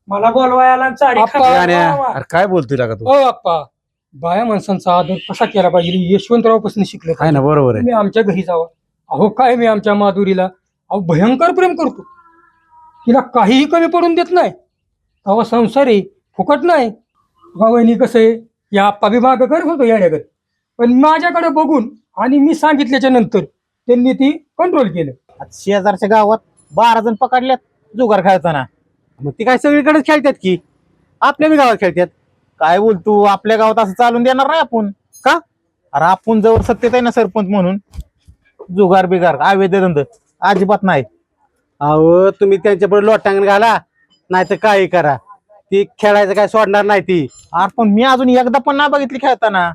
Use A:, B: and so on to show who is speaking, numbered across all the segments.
A: मला बोलवायला चारी
B: अप्पा,
A: खायला
C: गाण्या,
A: बोलवा.
C: अरे काय बोलतोय का तू
A: ओ अप्पा, बाया माणसांचा आदर कसा केला पाहिजे हे यशवंतराव पासून शिकलो
C: आहे ना, बरोबर आहे.
A: मी आमच्या घरी जावा. अहो काय मी आमच्या माधुरीला अहो भयंकर प्रेम करतो. तिला काहीही कमी पडून देत नाही. अहो संसार आहे, फुकट नाही. वहिनी कसं आहे, या आप्पा बी मागं करत होतो येण्याकडे, पण माझ्याकडे बघून आणि मी सांगितल्याच्या नंतर त्यांनी ती कंट्रोल केलं.
B: शेजारच्या गावात 12 जण पकडल्यात जुगार खेळताना.
C: मग ती काय सगळीकडेच खेळतात की, आपल्या बी गावात खेळतात.
B: काय बोलतो, आपल्या गावात असं चालून देणार नाही आपण.
C: का?
B: अरे आपण जवळ सत्तेत आहे ना सरपंच म्हणून, जुगार बिगार अवैध धंद अजिबात नाही.
C: अहो तुम्ही त्यांच्यापुढे लोटांगण घाला, नाही तर काही करा, ती खेळायचं काय सोडणार नाही ती.
B: अरे पण मी अजून एकदा पण नाही बघितली खेळताना.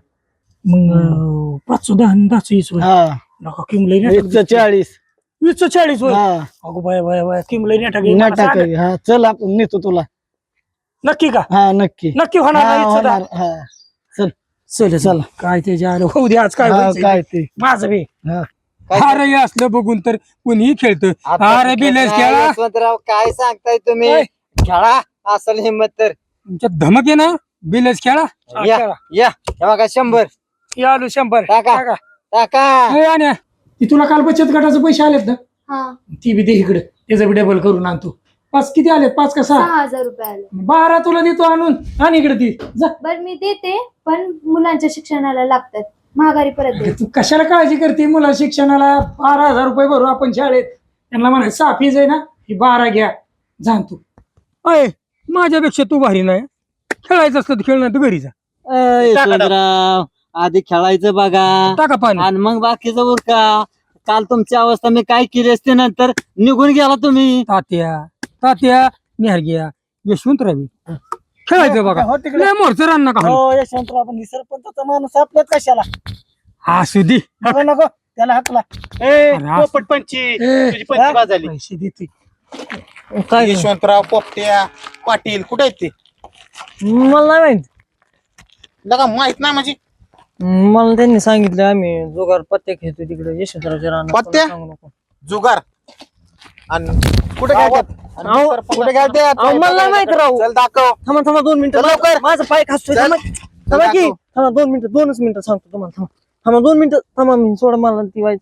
A: मग 510 नका किमलई
D: 40
A: 2040 होय.
D: हा
A: अगो बाय बाय बाय किमलई
D: नाटक आहे. हा चल आपण नेतो तुला.
A: नक्की का?
D: हा नक्की
A: नक्की होणार
D: हा,
A: नाही इच्छा
D: होणार.
A: दा.
D: हा चल
A: चल
D: चल.
A: काय त्याच्या आलं होऊ दे आज काय
D: हा,
A: व्हायचंय
D: काय
A: ते.
D: ते
A: माझं बी
D: हा.
A: अरे हे असलं बघून तर कुणीही खेळतं. अरे बिलेस खेळा
E: यशवंतराव काय सांगताय तुम्ही?
A: काय?
E: खेळा असल हिंमत तर
A: तुमच्या धमक आहे ना, बिलेस खेळा. हा,
E: या.
A: खेळा.
E: या हे बघा 100
A: हे आलो 100
E: टाका.
A: टाका.
E: टाका.
A: हे आण्या, ती तुला काल बचत गटाचे पैसे आलेत ना,
F: हा
A: ती बी दे इकडे, त्याचं बी डबल करून आणतो. 5 किती आलेत? 5 का 6?
F: 6,000 रुपये आले.
A: 12 तुला देतो आणून. आणि इकडे ती जा.
F: बर मी देते, पण मुलांच्या शिक्षणाला लागतात, महागारी परत दे.
A: तू कशाला काळजी करते? मुला शिक्षणाला 12,000 रुपये भरू आपण शाळेत. त्यांना म्हणा 6 फीज आहे ना, ही 12 घ्या, जाण तू. अय माझ्यापेक्षा तू भारी नाही. खेळायचं असलं तर खेळ, नाही तर घरी जा.
E: यशवंतराव आधी खेळायचं बघा
A: टाका पाणी.
E: आणि मग बाकीचं उरका. काल तुमची अवस्था मी काय केली असते, नंतर निघून गेला तुम्ही.
A: तात्या निहार घ्या, यशवंतरावी खेळायचं बघा.
D: हो तिकडे.
A: लय मोरचं रान नका हाणू.
D: हो यशवंतराव पण सरपंचाचा माणूस आपल्यात कशाला
A: असू दे.
D: नको नको त्याला हाकला.
B: पोपट पंची
A: ए,
B: तुझी पंची बाजाली.
A: पैसे देते.
D: काय
B: यशवंतराव पोपट्या पाटील कुठे आहेत ते?
D: मला नाही माहित.
B: लगा माहित नाही म्हणजे
D: मला त्यांनी सांगितलं आम्ही जुगार पत्ते खेळतो तिकडे यशवंतरावच्या रानात.
B: पत्त्या?
D: सांगू नको.
B: जुगार आणि कुठे खेळतात? आणि
D: अहो,
B: कुठे खेळतात?
D: अहो, मला नाही माहित राव.
B: चल दाखव.
D: थांबा 2 मिनिटं.
B: चल लवकर.
D: माझा पाय खासतोय.
B: चल.
D: थांबा की. थांबा 2 मिनिटं, 2च मिनिटं सांगतो तुम्हाला. थांबा 2 मिनिटं. थांबा मी सोडा मला ती वाईट.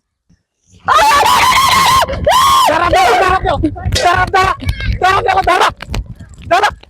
B: धरा, धरा, धरा, धरा, धरा, धरा, धरा, धरा, धरा.